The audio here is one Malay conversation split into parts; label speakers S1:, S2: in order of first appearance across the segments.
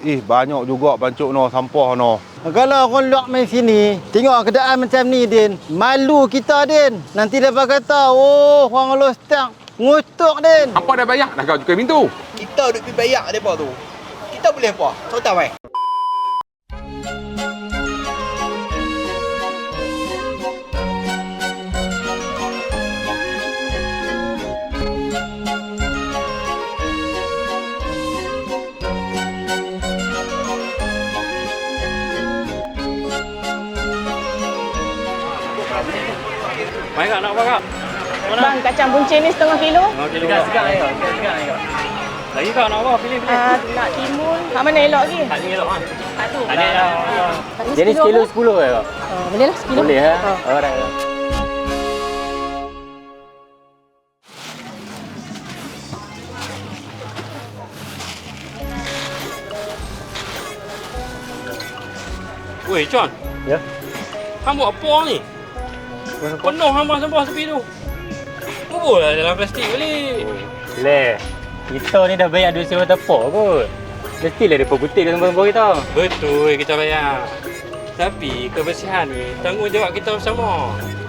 S1: Banyak juga pancuk no sampah no.
S2: Kalau orang luar main sini, tengok keadaan macam ni, Din. Malu kita, Din. Nanti dapat kata, oh, orang lostak ngutuk, Din.
S3: Apa dah bayar dah kau cukai pintu?
S4: Kita duk pergi bayar depa tu. Kita boleh apa? Tahu tak, wei?
S5: Baik kak, nak apa kak? Mana?
S6: Bang, kacang buncit ni setengah kilo.
S5: Setengah kilo kak. Segar. Lagi kak nak apa? Pilih.
S6: Nak timun. Hak mana elok lagi?
S5: Tak ni elok kan?
S6: Hak tu.
S5: Ada dah.
S6: Jadi sekilo 10
S5: ke kak?
S6: boleh lah sekilo.
S5: Boleh ha? Alright. Weh, John.
S7: Ya?
S5: Hang buat apa ni? Penuh hang sampah tepi tu. Buburlah dalam plastik balik.
S7: Le, kita ni dah bayar duit sewa tapak kot. Mestilah dia putih dalam sampah kita.
S5: Betul kita bayar. Tapi kebersihan ni tanggungjawab kita bersama.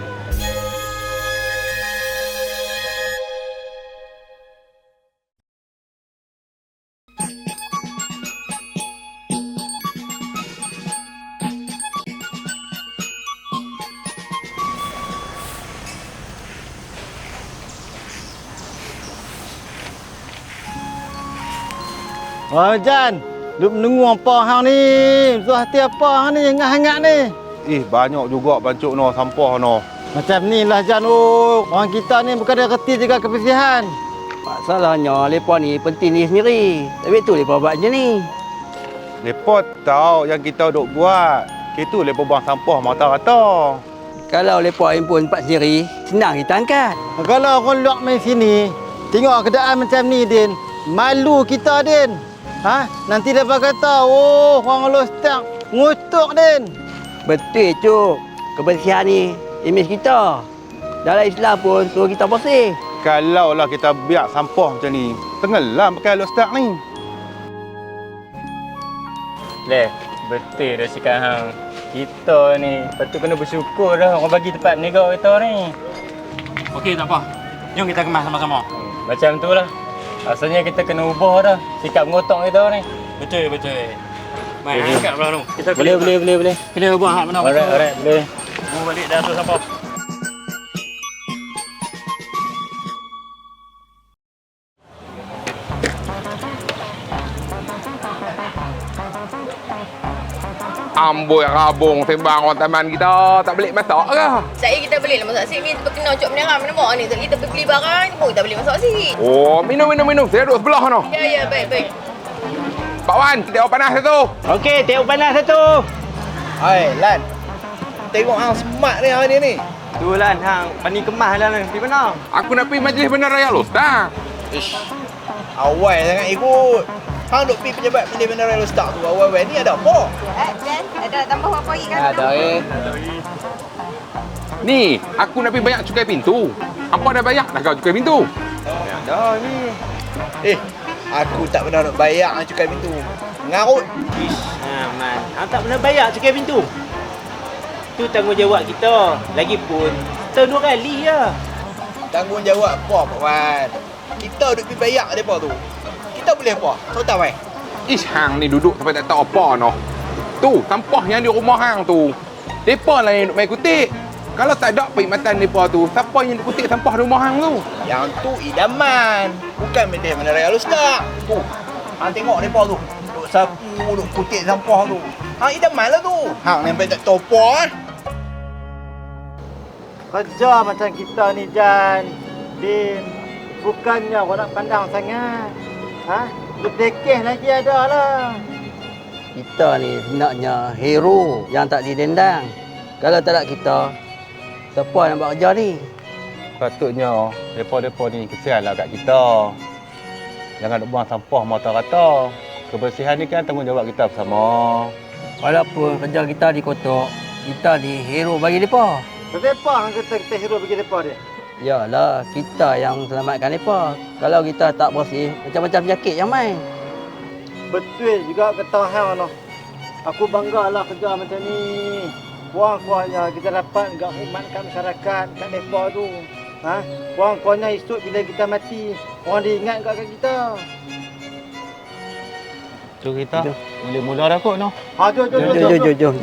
S2: Oh, Jan. Duk menunggu apa hang ni? Suah hati apa hang ni? Hangat-hangat ni.
S1: Banyak juga pancuk no sampah no.
S2: Macam ni lah, Jan. Oh, orang kita ni bukan ada reti jaga kebersihan.
S4: Masalahnya, lepa ni penting ni sendiri. Tapi tu lepa buat macam ni.
S1: Lepas tahu yang kita duk buat. Itu lepas buang sampah mata-rata.
S4: Kalau lepa impun tempat sendiri, senang kita angkat.
S2: Kalau orang luar main sini, tengok keadaan macam ni, Din. Malu kita, Din. Nanti dapat kata, oh, orang lostak ngutuk, Din.
S4: Betul, Cuk. Kebersihan ni imej kita. Dalam Islam pun suruh kita bersih.
S1: Kalau lah kita biar sampah macam ni, tenggelam pakai lostak ni.
S7: Le, betul dah cakap hang. Kita ni patut kena bersyukur dah orang bagi tempat berniaga kita ni.
S5: Okey, tak apa. Jom kita kemas sama-sama.
S7: Macam tu lah. Asalnya kita kena ubah dah sikap mengotok kita ni.
S5: Betul. Mai angkat belah tu. Kita
S7: Boleh.
S5: Pilih buang hak mana.
S7: Alright, boleh.
S5: Mau balik dah tu sampah.
S3: Amboi rabung sembang orang taman kita tak balik masak ke?
S6: Saya kita beli lah masak sini. Kita kena cok menerang mana mak ni. Kita pergi beli barang ni pun kita beli masak sini.
S3: Oh, minum. Saya duduk sebelah no.
S6: Ya, baik.
S3: Pak Wan, tengok panas satu.
S7: Okey, tengok panas satu.
S4: Hai, Lan. Tengok hang smart ni hari ni.
S7: Tu Lan, hang pani kemas lah ni. Di mana?
S3: Aku nak pergi majlis benar raya Lostak.
S4: Ish. Awal sangat ikut. Hang duk pergi pejabat pilih benda raya Lostak tu. Awal-awal ni ada apa?
S6: Dan ada tambah apa lagi kan?
S4: Ada
S3: Ni, aku nak pergi bayar cukai pintu. Apa dah bayar dah kau cukai pintu?
S4: Ada ni. Aku tak pernah nak bayar cukai pintu. Ngarut.
S7: Man. Hang tak pernah bayar cukai pintu. Tu tanggungjawab kita. Lagipun, setahun 2 kali je.
S4: Tanggungjawab apa, Pak Wan? Kita duk pergi bayar depa tu. Kita boleh apa? Tahu tak, wei?
S3: Hang ni duduk sampai tak tahu apa no. Tu, sampah yang di rumah hang tu. Depa lah yang duk main kutik. Kalau tak ada perkhidmatan depa tu, siapa yang duk kutik sampah rumah hang tu?
S4: Yang tu idaman. Bukan benda mana raya Lostak. Tu. Hang tengok depa tu. Duk sapu, duk kutik sampah tu. Hang idaman lah tu. Hang ni sampai tak tahu apa.
S2: Kerja macam kita ni, Jan. Din. Bukannya kau nak pandang sangat. Berdekeh lagi ada lah.
S4: Kita ni sebenarnya hero yang tak didendang. Kalau tak ada kita, siapa nak buat kerja ni?
S1: Patutnya depa-depa ni kesianlah kat kita. Jangan duk buang sampah mata-rata. Kebersihan ni kan tanggungjawab kita bersama.
S4: Walaupun kerja kita dikotok, kita ni hero bagi mereka.
S2: Kenapa kita hero bagi mereka dia?
S4: Yalah, kita yang selamatkan mereka. Kalau kita tak bersih, macam-macam penyakit yang main.
S2: Betul juga kata hang noh. Aku banggalah kerja macam ni. Kurang-kurangnya kita dapat enggak khidmat kat masyarakat kat depa tu. Ha? Kurang-kurangnya esok bila kita mati, orang diingat kat kita.
S1: Tu kita boleh mula dah kot noh.
S2: Ha, jom.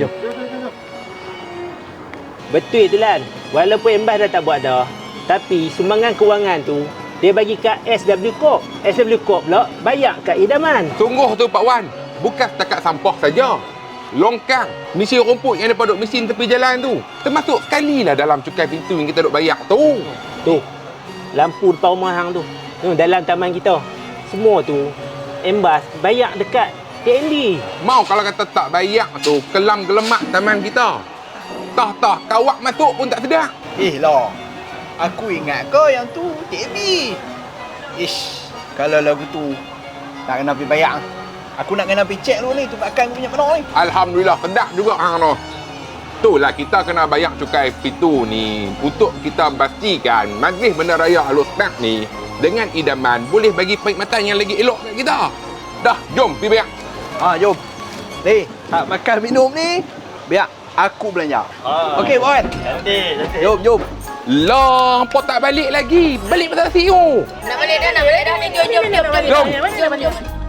S7: Betul tu Lan. Walaupun Embas dah tak buat dah, tapi sumbangan kewangan tu dia bagi kat SW Corp. SW Corp pula bayar kat idaman.
S3: Sungguh tu Pak Wan. Bukan setakat sampah saja. Longkang, mesin rumput yang daripada mesin tepi jalan tu. Termasuk sekali lah dalam cukai pintu yang kita duk bayar tu.
S7: Tu. Lampu depan rumah hang tu. Dalam taman kita. Semua tu Embas bayar dekat TND.
S3: Mau kalau kata tak bayar tu, kelam gelemak taman kita. Tah kawak masuk pun tak sedar.
S4: Lah. Aku ingat kau yang tu TB. Ish, kalau lagu tu tak kena pergi bayar. Aku nak kena pergi cek dulu ni tempat aku punya mana ni.
S3: Alhamdulillah sedap juga hang noh. Itulah kita kena bayar cukai pintu ni untuk kita pastikan Majlis Bandaraya Al-Ustaz ni dengan idaman boleh bagi perkhidmatan yang lagi elok kat kita. Dah, jom pergi bayar.
S4: Jom. Ni, hak makan minum ni biar aku belanja. Okey, Wan.
S7: Cantik.
S4: Jom.
S3: Lah, apa tak balik lagi? Balik pasal nasi tu.
S6: Nak balik dah ni. Jom.